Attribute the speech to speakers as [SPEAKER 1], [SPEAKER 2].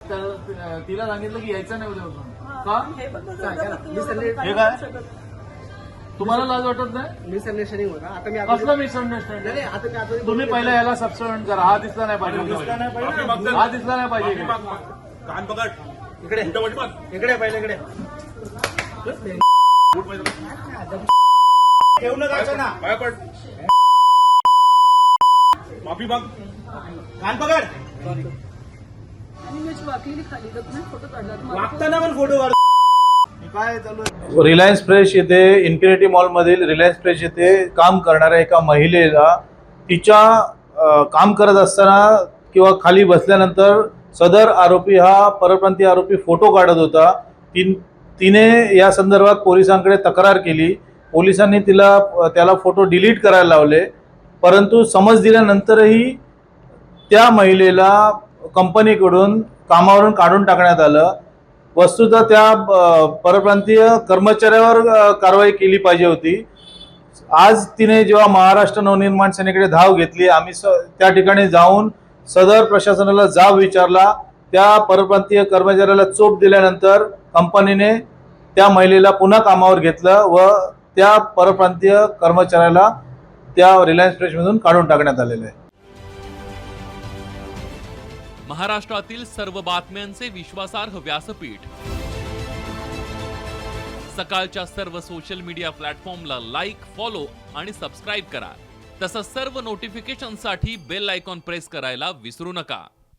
[SPEAKER 1] तिला सांगितलं की यायचं नाही उद्यापासून का?
[SPEAKER 2] हे काय
[SPEAKER 1] तुम्हाला लाज वाटत नाही?
[SPEAKER 3] मिसअंडरस्टँडिंग होता. आता मी
[SPEAKER 1] कसलं मिसअंडरस्टँडिंग?
[SPEAKER 3] आता
[SPEAKER 1] तुम्ही पहिला याला सबस्टिट्यूट करा. हा दिसला नाही पाहिजे, हा दिसला नाही पाहिजे.
[SPEAKER 2] कान पकड
[SPEAKER 3] इकडे इकडे पहिले इकडे
[SPEAKER 2] ठेवणं जायचं ना पाया पड माफी माग कान पकड वागताना पण फोटो काढ. काय चालू आहे?
[SPEAKER 4] रिलायन्स फ्रेश येथे इन्फिनिटी मॉलमधील रिलायन्स फ्रेश येथे काम करणाऱ्या एका महिलेला तिच्या काम करत असताना किंवा खाली बसल्यानंतर सदर आरोपी हा परप्रांतीय आरोपी फोटो काढत होता. तिने या संदर्भात पोलिसांकडे तक्रार केली. पोलिसांनी त्याला फोटो डिलीट करायला लावले, परंतु समज दिल्यानंतरही त्या महिलेला कंपनीकडून कामावरून काढून टाकण्यात आलं. वस्तुतः त्या परप्रांतीय कर्मचाऱ्यावर कारवाई केली पाहिजे होती. आज तिने जेव्हा महाराष्ट्र नवनिर्माण सेनेकडे धाव घेतली, आम्ही त्या ठिकाणी जाऊन सदर प्रशासनाला जाब विचारला. त्या परप्रांतीय कर्मचाऱ्याला चोप दिल्यानंतर कंपनीने त्या महिलेला पुन्हा कामावर घेतलं व त्या परप्रांतीय कर्मचाऱ्याला त्या रिलायन्स फ्रेशमधून काढून टाकण्यात आलेलं आहे.
[SPEAKER 5] महाराष्ट्रातील सर्व बातम्यांचे विश्वासार्ह व्यासपीठ, सकाळच्या सर्व सोशल मीडिया प्लॅटफॉर्मला लाईक, फॉलो आणि सबस्क्राईब करा. तसंच सर्व नोटिफिकेशनसाठी बेल आयकॉन प्रेस करायला विसरू नका.